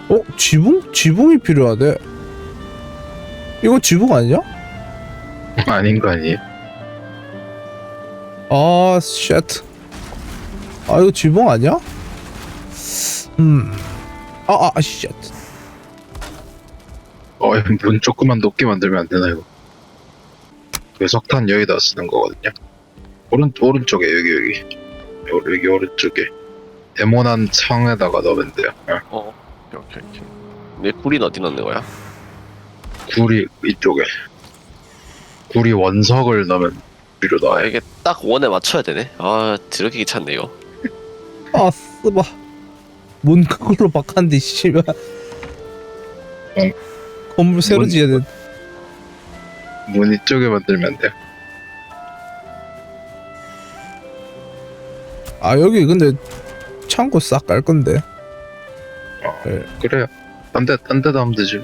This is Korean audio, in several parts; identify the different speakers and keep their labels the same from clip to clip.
Speaker 1: 지붕? 지붕이 필요하대. 이거 지붕 아니야?
Speaker 2: 아닌 거 아니에요?
Speaker 1: 아, 쉣. 아, 이거 지붕 아니야? 쉣.
Speaker 2: 문 조금만 높게 만들면 안 되나 이거? 그 석탄 여기다 쓰는 거거든요. 오른쪽에 여기 오른쪽에 네모난 창에다가 넣으면 돼요.
Speaker 3: 오케이. 내 꿀이 어디 넣는 거야?
Speaker 2: 구리 이쪽에 구리 원석을 넣으면 위로
Speaker 3: 아,
Speaker 2: 나와요.
Speaker 3: 이게 딱 원에 맞춰야 되네. 아, 드럽게 귀찮네 이거.
Speaker 1: 아, 쓰바. 문 그걸로 바꿨는데, 씨발. 건물 새로 지어야 돼.
Speaker 2: 문 이쪽에 만들면 돼요.
Speaker 1: 아, 여기 근데 창고 싹 깔 건데. 네.
Speaker 2: 그래요. 딴 데도 하면 되지.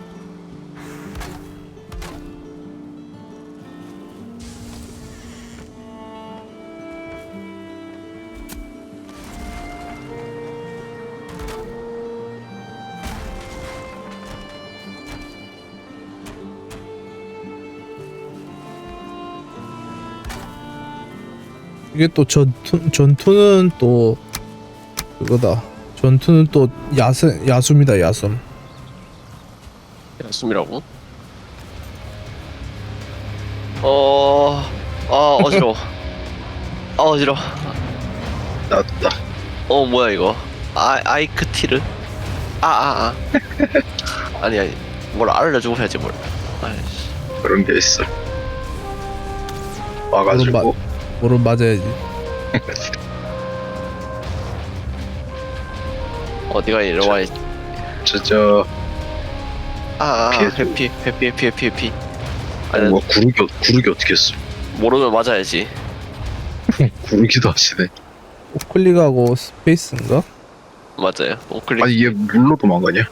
Speaker 1: 이게 또 전투는 또 그거다. 전투는 또 야숨이다, 야숨.
Speaker 3: 숨이라고? 어지러워. 어지러워.
Speaker 2: 나왔다.
Speaker 3: 뭐야 이거? 아이크티르? 아니. 뭘 알려주고 해야지 뭘. 아이씨.
Speaker 2: 그런 게 있어. 와가지고
Speaker 1: 오른 맞아야지.
Speaker 3: 어디가 이리와.
Speaker 2: 저
Speaker 3: 회피. 아니,
Speaker 2: 뭐 구르기 어떻게 했어?
Speaker 3: 모르면 맞아야지.
Speaker 2: 구르기도 하시네.
Speaker 1: 클릭하고 스페이스인가?
Speaker 3: 맞아요. 클릭.
Speaker 2: 아니 얘 물로 도망가냐?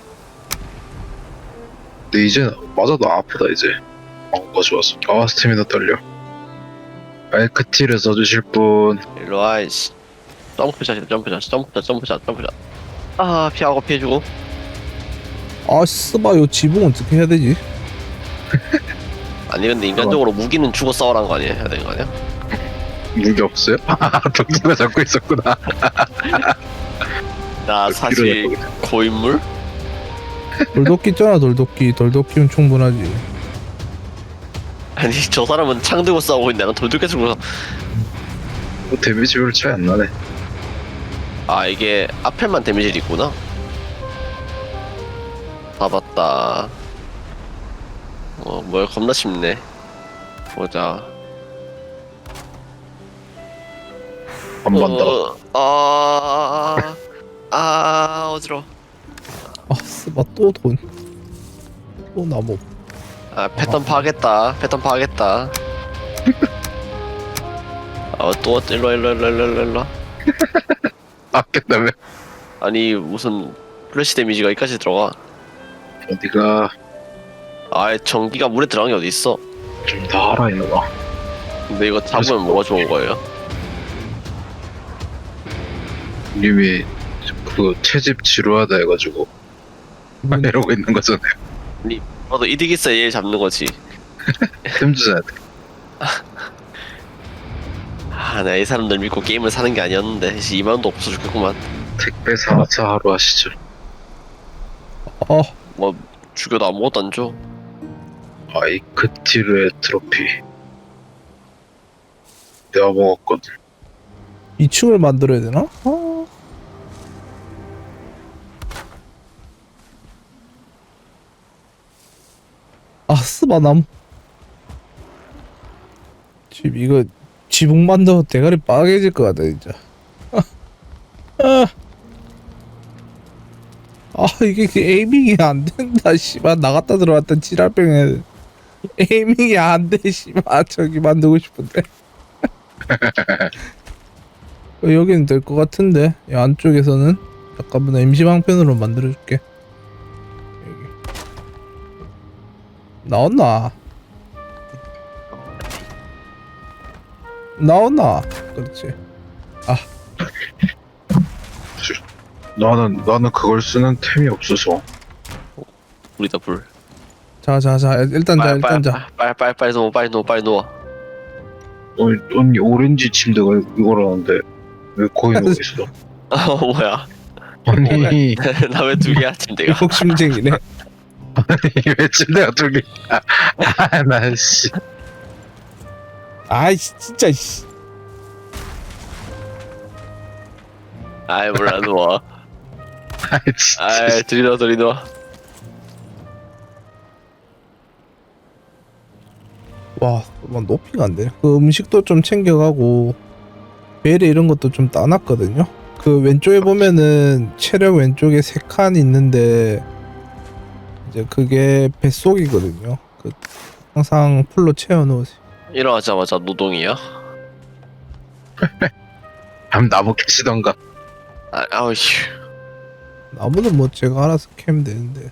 Speaker 2: 근데 이제 맞아도 아프다 이제. 좋았어. 스태미나 떨려. 알크티를 써주실 분.
Speaker 3: 일로와 이씨. 점프샷. 피해주고.
Speaker 1: 아, 쓰바. 요 지붕 어떻게 해야 되지?
Speaker 3: 아니 근데 인간적으로 무기는 주고 싸우란 거 아니야? 해야 되는 거 아니야?
Speaker 2: 무기 없어요? 덕수가 잡고 있었구나.
Speaker 3: 나 사실 고인물?
Speaker 1: 돌도끼 있잖아, 돌도끼. 돌도끼면 충분하지.
Speaker 3: 아니 저 사람은 창 들고 싸우고 있는데 난 돌들 계속 서
Speaker 2: 데미지 별로 차이 안 나네.
Speaker 3: 이게 앞에만 데미지가 있구나. 봤다. 뭘 겁나 쉽네. 보자.
Speaker 2: 한 번 더.
Speaker 3: 어지러워.
Speaker 1: 아, 쓰바. 또 나무.
Speaker 3: 패턴 파겠다. 또 일로.
Speaker 2: 아꼈다며.
Speaker 3: 아니 무슨 플래시 데미지가 여기까지 들어가.
Speaker 2: 어디가
Speaker 3: 전기가 물에 들어간 게 어디 있어?
Speaker 2: 좀 더 알아 이거.
Speaker 3: 근데 이거 잡으면 뭐가 좋은 거예요?
Speaker 2: 님이 그 채집 지루하다 해가지고 이러고 있는 거잖아요.
Speaker 3: 나도 이득 있어 얘 잡는 거지.
Speaker 2: 템 주셔야 돼.
Speaker 3: 내가 이 사람들 믿고 게임을 사는 게 아니었는데 2만원도 없어 죽겠구만.
Speaker 2: 택배 4차 하루 하시죠.
Speaker 3: 뭐 죽여도 아무것도 안 줘.
Speaker 2: 아이크티르의 트로피 내가 먹었거든.
Speaker 1: 2층을 만들어야 되나? 쓰바. 나무. 이거 지붕 만들어 대가리 빠개질 것 같아 진짜. 이게 에이밍이 안 된다. 씨발, 나갔다 들어왔다 지랄병에 에이밍이 안 돼. 씨발, 저기 만들고 싶은데. 여기는 될 것 같은데. 이 안쪽에서는 잠깐만 임시 방편으로 만들어줄게. 여기 나왔나? 그렇지.
Speaker 2: 나는 그걸 쓰는 템이 없어서.
Speaker 3: 우리다 불.
Speaker 1: 자자자 일단 자 일단 자.
Speaker 3: 빨리 누워 빨리 누워 빨리 누워.
Speaker 2: 아니 오렌지 침대가 이거라는데 왜 거기 누워 있어?
Speaker 3: 뭐야?
Speaker 2: 아니
Speaker 3: 나 왜 두 개야 침대가?
Speaker 1: 욕심쟁이네.
Speaker 2: 왜 침대가 두 개? 나 씨.
Speaker 1: 아이씨 진짜 씨.
Speaker 3: 아이 몰라 누워.
Speaker 2: 아이 진짜.
Speaker 3: 아이 들이 누워.
Speaker 1: 와, 뭐 높이가 안 되네. 그 음식도 좀 챙겨가고 베리 이런 것도 좀 따놨거든요. 그 왼쪽에 보면은 체력 왼쪽에 3칸 있는데 이제 그게 뱃속이거든요. 그 항상 풀로 채워놓으세요.
Speaker 3: 일어나자마자 노동이야?
Speaker 2: 한번 나무 캐시던가.
Speaker 3: 아우 씨.
Speaker 1: 나무는 뭐 제가 알아서 캐면 되는데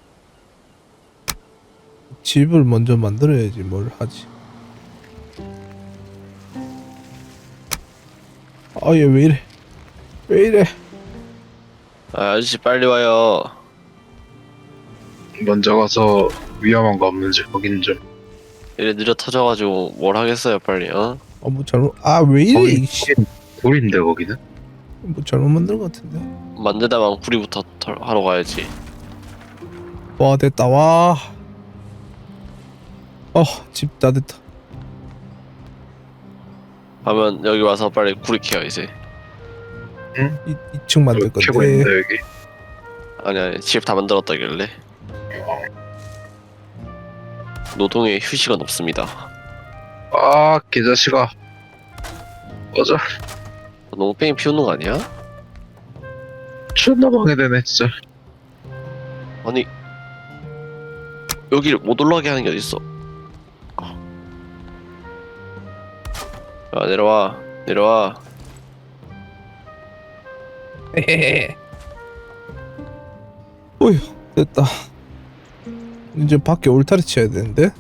Speaker 1: 집을 먼저 만들어야지 뭘 하지. 아 얘 왜 이래? 왜 이래?
Speaker 3: 아, 아저씨 빨리 와요.
Speaker 2: 먼저 가서 위험한 거 없는지 확인 좀.
Speaker 3: 이래 느려 터져가지고 뭘 하겠어요 빨리 어?
Speaker 1: 뭐 잘못 왜 이래?
Speaker 2: 거기
Speaker 1: 이씨
Speaker 2: 돌인데 거기는?
Speaker 1: 뭐 잘못 만든 것 같은데.
Speaker 3: 만들다만 구리부터 하러 가야지.
Speaker 1: 와 됐다 와. 집 다 됐다.
Speaker 3: 하면 여기 와서 빨리 구리 캐요 이제.
Speaker 1: 2층 만들
Speaker 2: 캐고
Speaker 1: 건데.
Speaker 2: 있는데 여기.
Speaker 3: 아니 집 다 만들었다길래. 노동에 휴식은 없습니다.
Speaker 2: 아 개자식아. 꺼져.
Speaker 3: 너무 뺑이 피우는 거 아니야?
Speaker 2: 존나 방해되네 진짜.
Speaker 3: 아니 여기를 못 올라가게 하는 게 어딨어? 야 내려와.
Speaker 1: 어휴 됐다. 이제 밖에 울타리 쳐야 되는데.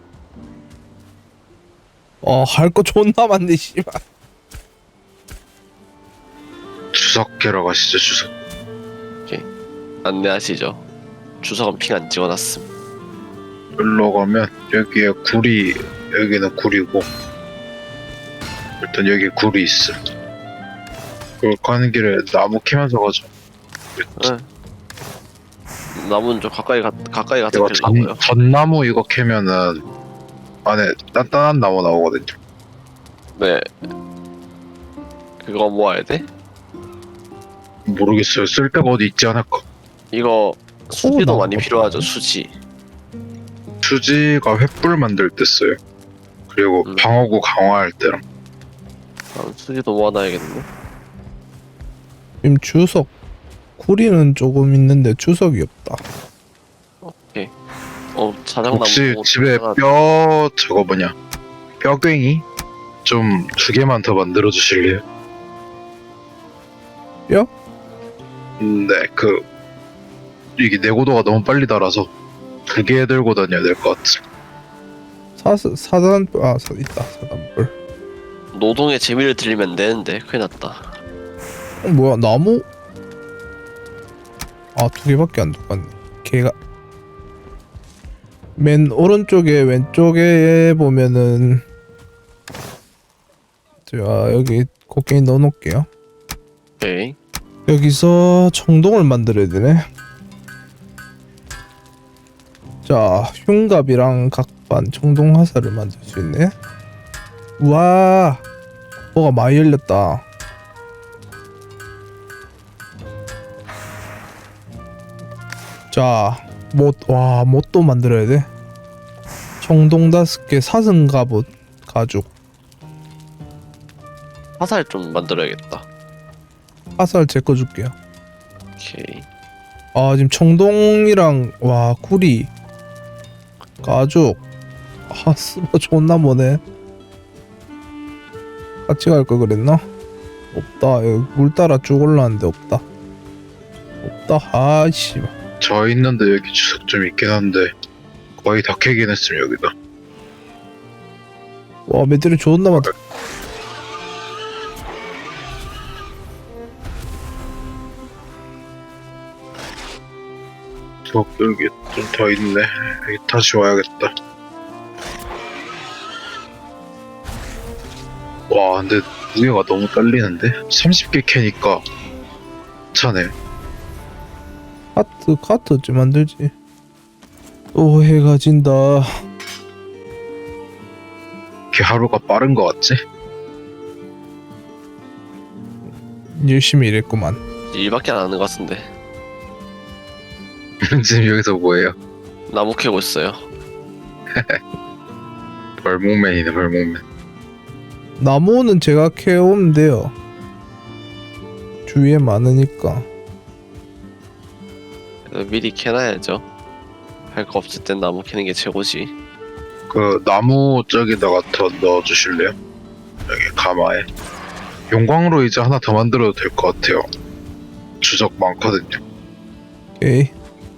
Speaker 1: 할 거 존나 많네 씨발.
Speaker 2: 주석 캐러 가시죠 주석.
Speaker 3: 안내하시죠. 주석은 핑 안 찍어놨음.
Speaker 2: 여기로 가면 여기에 굴이, 여기는 굴이고 일단 여기 굴이 있어. 그 가는 길에 나무 캐면서 가자.
Speaker 3: 응. 나무는 좀 가까이 가서
Speaker 2: 이거
Speaker 3: 캐려고요.
Speaker 2: 전나무 이거 캐면은 안에 단단한 나무 나오거든요.
Speaker 3: 네. 그거 모아야 돼?
Speaker 2: 모르겠어요. 쓸 데가 어디 있지 않을까.
Speaker 3: 이거 수지도
Speaker 1: 나무
Speaker 3: 많이 필요하죠. 수지.
Speaker 2: 수지가 횃불 만들 때 써요. 그리고 방어구 강화할 때랑.
Speaker 3: 수지도 모아놔야겠네.
Speaker 1: 지금 주석 구리는 조금 있는데 주석이 없다.
Speaker 3: 자작나무.
Speaker 2: 혹시
Speaker 3: 보고
Speaker 2: 집에
Speaker 3: 들어가다가
Speaker 2: 뼈 저거 뭐냐 뼈괭이 좀 2개만 더 만들어 주실래요?
Speaker 1: 뼈?
Speaker 2: 네, 이게 내구도가 너무 빨리 달아서 2개 들고 다녀야 될 것 같아.
Speaker 1: 사단 있다 사단불.
Speaker 3: 노동의 재미를 들리면 되는데 큰일 났다.
Speaker 1: 뭐야 나무? 2개밖에 안 들어갔네. 걔가 맨 오른쪽에 왼쪽에 보면은 제가 여기 곡괭이 넣어놓을게요.
Speaker 3: 오케이.
Speaker 1: 여기서 청동을 만들어야 되네. 자 흉갑이랑 각반 청동 화살을 만들 수 있네. 우와 뭐가 많이 열렸다. 자 못도 만들어야 돼. 청동 5개 사슴 갑옷 가죽.
Speaker 3: 화살 좀 만들어야겠다.
Speaker 1: 화살 제 거 줄게요.
Speaker 3: 오케이.
Speaker 1: 지금 청동이랑 구리 가죽 스버 존나 뭐네. 같이 갈 걸 그랬나? 없다. 여기 물 따라 쭉 올라왔는데 없다. 아이씨.
Speaker 2: 저 있는데 여기 주석 좀 있긴 한데 거의 다 캐긴 했음 여기다.
Speaker 1: 와 매들이 존나 많다.
Speaker 2: 여기 좀 더 있네. 여기 다시 와야겠다. 와, 근데 무게가 너무 딸리는데? 30개 캐니까 차네.
Speaker 1: 카트 어찌 만들지? 또 해가 진다.
Speaker 2: 이렇게 하루가 빠른 거 같지?
Speaker 1: 열심히 일했구만.
Speaker 3: 일밖에 안 하는 것 같은데.
Speaker 2: 지금 여기서 뭐해요?
Speaker 3: 나무 캐고 있어요.
Speaker 2: 벌목맨이네, 벌목맨.
Speaker 1: 나무는 제가 캐오면 돼요. 주위에 많으니까.
Speaker 3: 그래서 미리 캐놔야죠. 할 거 없을 땐 나무 캐는 게 최고지.
Speaker 2: 그 나무 저기다가 더 넣어주실래요? 여기 가마에. 용광로 이제 하나 더 만들어도 될 것 같아요. 주적 많거든요.
Speaker 1: 오케이.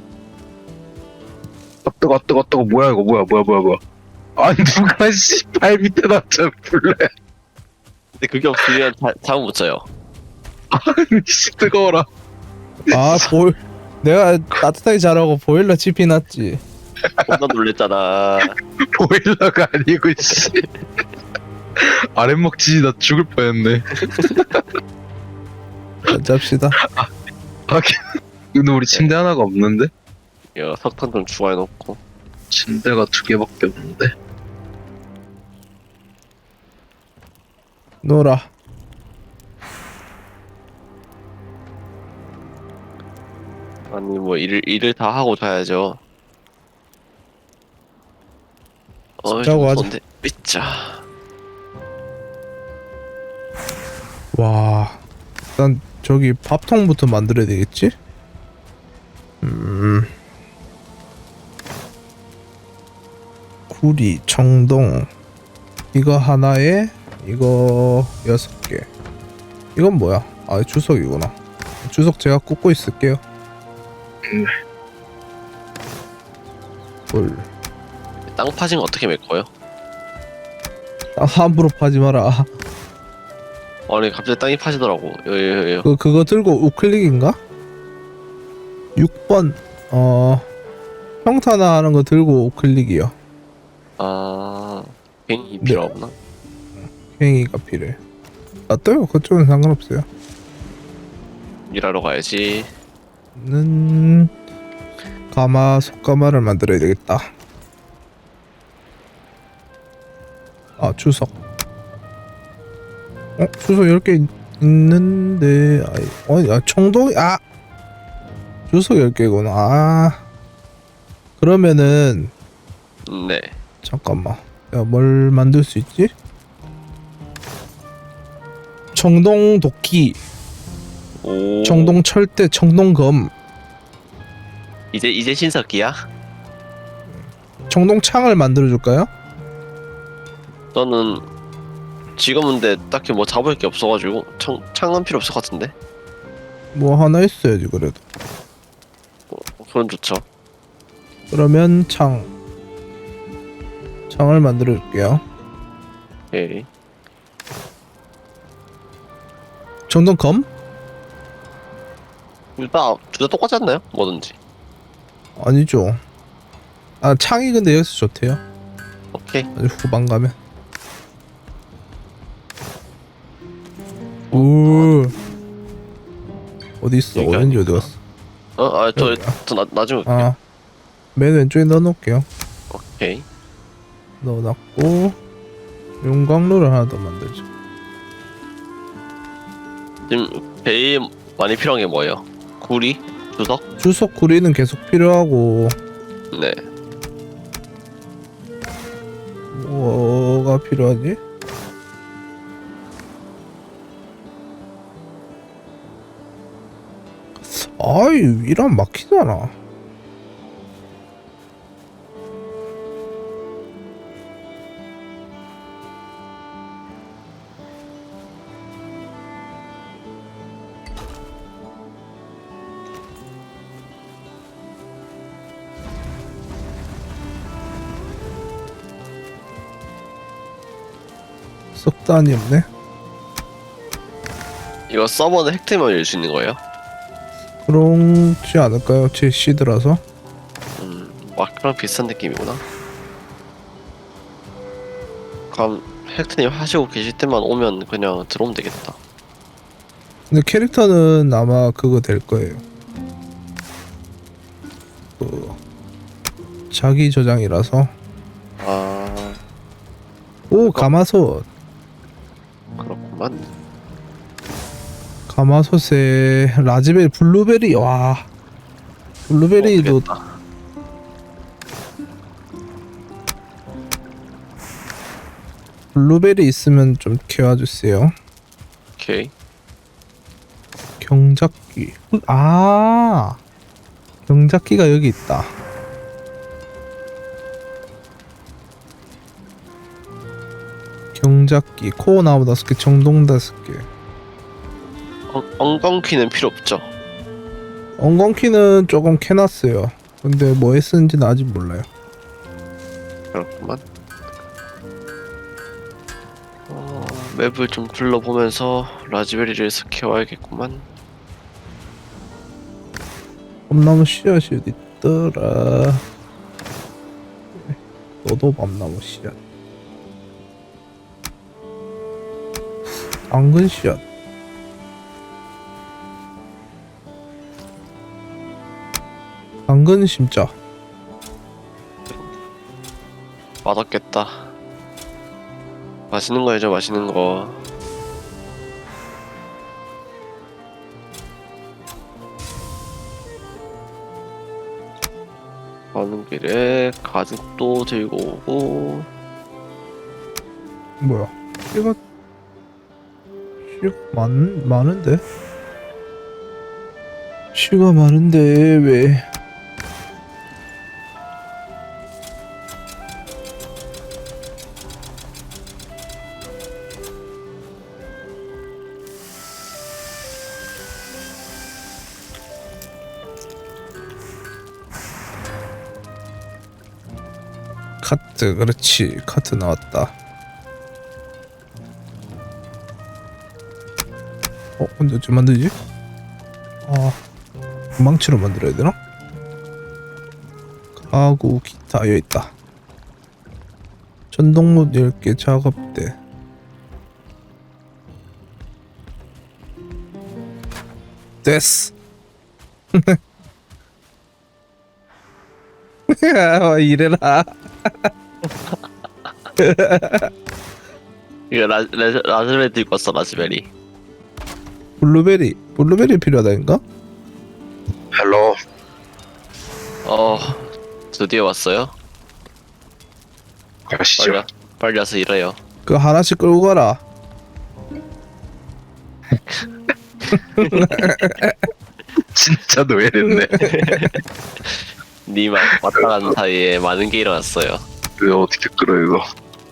Speaker 2: 뜨거 뭐야 이거 뭐야 아니 누가 발 밑에다 저 불래.
Speaker 3: 근데 그게 없으면 잠을 못 자요.
Speaker 2: 아니 씨 뜨거워라.
Speaker 1: 아, 내가 따뜻하게 자라고 보일러 집히놨지.
Speaker 3: 겁나 놀랬잖아.
Speaker 2: 보일러가 아니고 씨. 아랫목 지지 나 죽을 뻔했네.
Speaker 1: 잡시다.
Speaker 2: 하긴 근데 우리 침대 하나가 없는데?
Speaker 3: 야, 석탄 좀 추가해놓고.
Speaker 2: 침대가 2개밖에 없는데?
Speaker 1: 놀아.
Speaker 3: 아니 뭐 일을 다 하고 자야죠.
Speaker 1: 자고 하자.
Speaker 3: 좋은데. 삐짜.
Speaker 1: 와, 일단 저기 밥통부터 만들어야 되겠지? 구리, 청동 이거 하나에 이거 6개. 이건 뭐야? 아, 주석이구나. 주석 제가 꽂고 있을게요. 볼.
Speaker 3: 땅 파진 거 어떻게 메꿔요?
Speaker 1: 함부로 파지 마라.
Speaker 3: 아니 갑자기 땅이 파지더라고. 요.
Speaker 1: 그거 들고 우클릭인가? 6번 평탄화 하는 거 들고 우클릭이요.
Speaker 3: 아, 괜히
Speaker 1: 네.
Speaker 3: 필요 없나?
Speaker 1: 행위가 필요해. 놔둬요. 그쪽은 상관없어요.
Speaker 3: 일하러 가야지.
Speaker 1: 는 가마 속가마를 만들어야 되겠다. 아, 주석. 주석 10개 있는데 청동이 주석 10개구나. 그러면은
Speaker 3: 네.
Speaker 1: 잠깐만. 야, 뭘 만들 수 있지? 청동 도끼,
Speaker 3: 오.
Speaker 1: 청동 철대, 청동 검,
Speaker 3: 이제 신석기야?
Speaker 1: 청동 창을 만들어 줄까요?
Speaker 3: 저는 지금은 근데 딱히 뭐 잡을 게 없어가지고 창은 필요 없을 것 같은데.
Speaker 1: 뭐 하나 있어야지 그래도.
Speaker 3: 그건 좋죠.
Speaker 1: 그러면 창을 만들어 줄게요.
Speaker 3: 오케이.
Speaker 1: 청동 검?
Speaker 3: 일단 둘 다 똑같지 않나요? 뭐든지.
Speaker 1: 아니죠. 창이 근데 여기서 좋대요.
Speaker 3: 오케이.
Speaker 1: 아주 후반 가면. 오. 어디 있어?
Speaker 3: 여기
Speaker 1: 오렌지 어디
Speaker 3: 아닐까?
Speaker 1: 갔어?
Speaker 3: 저 나중에 올게요.
Speaker 1: 맨 왼쪽에 넣어놓을게요.
Speaker 3: 오케이.
Speaker 1: 넣어놨고 용광로를 하나 더 만들죠.
Speaker 3: 지금 제일 많이 필요한 게 뭐예요? 구리? 주석?
Speaker 1: 주석 구리는 계속 필요하고
Speaker 3: 네.
Speaker 1: 뭐가 필요하지? 아이, 이러면 막히잖아. 석단이 없네.
Speaker 3: 이거 서버는 획득만 열 수 있는 거예요?
Speaker 1: 그렇지 않을까요? 제 시드라서.
Speaker 3: 마크랑 비슷한 느낌이구나. 그럼 헥트님 하시고 계실 때만 오면 그냥 들어오면 되겠다.
Speaker 1: 근데 캐릭터는 아마 그거 될 거예요. 그 자기 저장이라서.
Speaker 3: 아
Speaker 1: 오, 가마솥.
Speaker 3: 그렇구만.
Speaker 1: 가마솥에 라즈베리, 블루베리. 와, 블루베리도
Speaker 3: 되겠다.
Speaker 1: 블루베리 있으면 좀 키워주세요.
Speaker 3: 오케이.
Speaker 1: 경작기. 아, 경작기가 여기 있다. 경작기, 코어 나무 5개, 정동 5개.
Speaker 3: 엉겅퀴는 필요 없죠.
Speaker 1: 엉겅키는 조금 캐놨어요. 근데 뭐에 쓰는지는 아직 몰라요.
Speaker 3: 그렇구만. 맵을 좀 둘러보면서 라즈베리를 스케어해야겠구만.
Speaker 1: 밤나무 씨앗이 어디 있더라. 너도 밤나무 씨앗. 당근 씨앗. 당근 심자.
Speaker 3: 맛없겠다. 맛있는 거 해줘, 맛있는 거. 가는 길에 가죽도 들고 오고.
Speaker 1: 뭐야? 씨가 많은데? 씨가 많은데 왜? 카트, 그렇지. 카트 나왔다. 근데 어떻게 만들지? 망치로 만들어야 되나? 가구, 기타, 여기 있다. 전동못 10개, 작업대. 됐어. 이래라.
Speaker 3: 이거 라즈베리 들고 왔어, 라즈베리.
Speaker 1: 블루베리 필요하다니까?
Speaker 2: 헬로.
Speaker 3: 드디어 왔어요?
Speaker 2: 가시죠.
Speaker 3: 빨리 와서 일해요.
Speaker 1: 그거 하나씩 끌고 가라.
Speaker 2: 진짜 노예됐네.
Speaker 3: 님 왔다 가는 사이에 많은 게 일어났어요.
Speaker 2: 왜 어떻게 끌어 이거?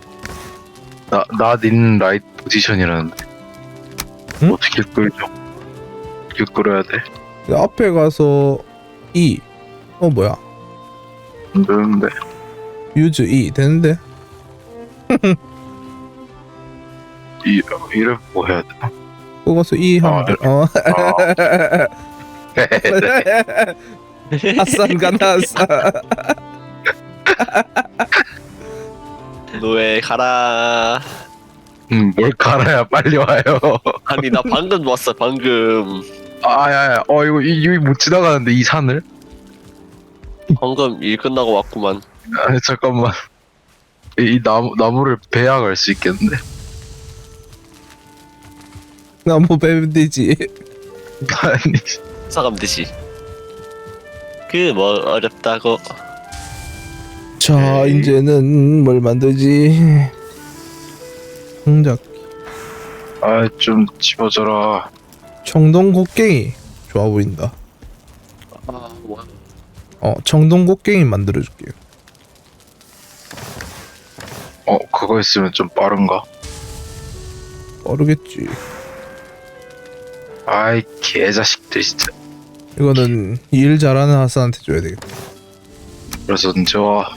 Speaker 2: 나닌 라이트 포지션이라는데.
Speaker 1: 응?
Speaker 2: 어떻게 끌죠? 어떻게 끌어야 돼?
Speaker 1: 앞에 가서 E. 뭐야?
Speaker 2: 안 되는데.
Speaker 1: 유즈 E 되는데?
Speaker 2: 이름 뭐 해야 되나?
Speaker 1: 그거 가서 E 하면 돼. 핫산 가나 핫산.
Speaker 3: 노예 가라.
Speaker 2: 뭘 갈아야 빨리 와요.
Speaker 3: 아니 나 방금 왔어 방금.
Speaker 2: 야야, 이거 못 지나가는데 이 산을?
Speaker 3: 방금 일 끝나고 왔구만.
Speaker 2: 아니 잠깐만. 이 나무를 베야 갈 수 있겠는데?
Speaker 1: 나무 베면 되지.
Speaker 2: 아니.
Speaker 3: 사감 듯이. 그 뭐 어렵다고.
Speaker 1: 자,
Speaker 3: 에이.
Speaker 1: 이제는 뭘 만들지? 성작.
Speaker 2: 좀 집어줘라.
Speaker 1: 청동 곡괭이 좋아 보인다.
Speaker 3: 뭐.
Speaker 1: 청동 곡괭이 만들어줄게요.
Speaker 2: 그거 있으면 좀 빠른가?
Speaker 1: 빠르겠지.
Speaker 2: 아이 개자식들 진짜.
Speaker 1: 이거는 일 잘하는 하스한테 줘야 되겠다.
Speaker 2: 그래서 언제 와?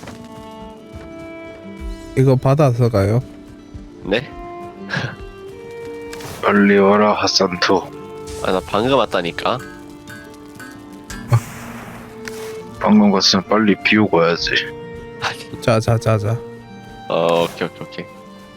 Speaker 1: 이거 받아서 가요.
Speaker 3: 네?
Speaker 2: 빨리 와라 하산투.
Speaker 3: 나 방금 왔다니까.
Speaker 2: 방금 같으면 빨리 비우고 와야지.
Speaker 1: 자자자자.
Speaker 3: 오케이 오케이 오케이.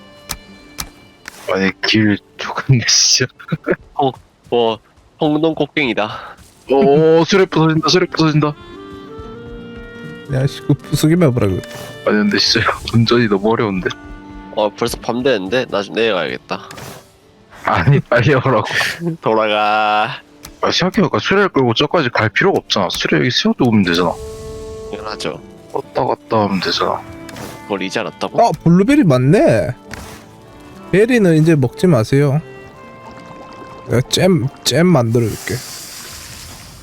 Speaker 2: 아니 길 조금 진짜.
Speaker 3: 뭐 홍동 곡괭이다.
Speaker 2: 오 수레 부서진다 수레 부서진다.
Speaker 1: 야씨 그 부수기만 해보라 그.
Speaker 2: 아니 근데 진짜 운전이 너무 어려운데.
Speaker 3: 벌써 밤 되는데 나 좀 내려가야겠다.
Speaker 2: 아니 빨리 오라고.
Speaker 3: 돌아가.
Speaker 2: 아 생각해보니까 수레를 끌고 저까지 갈 필요가 없잖아. 수레 여기 세워두고 오면 되잖아.
Speaker 3: 당연하죠.
Speaker 2: 왔다 갔다 하면 되잖아.
Speaker 3: 그걸 이제 알았다고?
Speaker 1: 아 블루베리 맞네. 베리는 이제 먹지 마세요. 내가 잼 만들어줄게.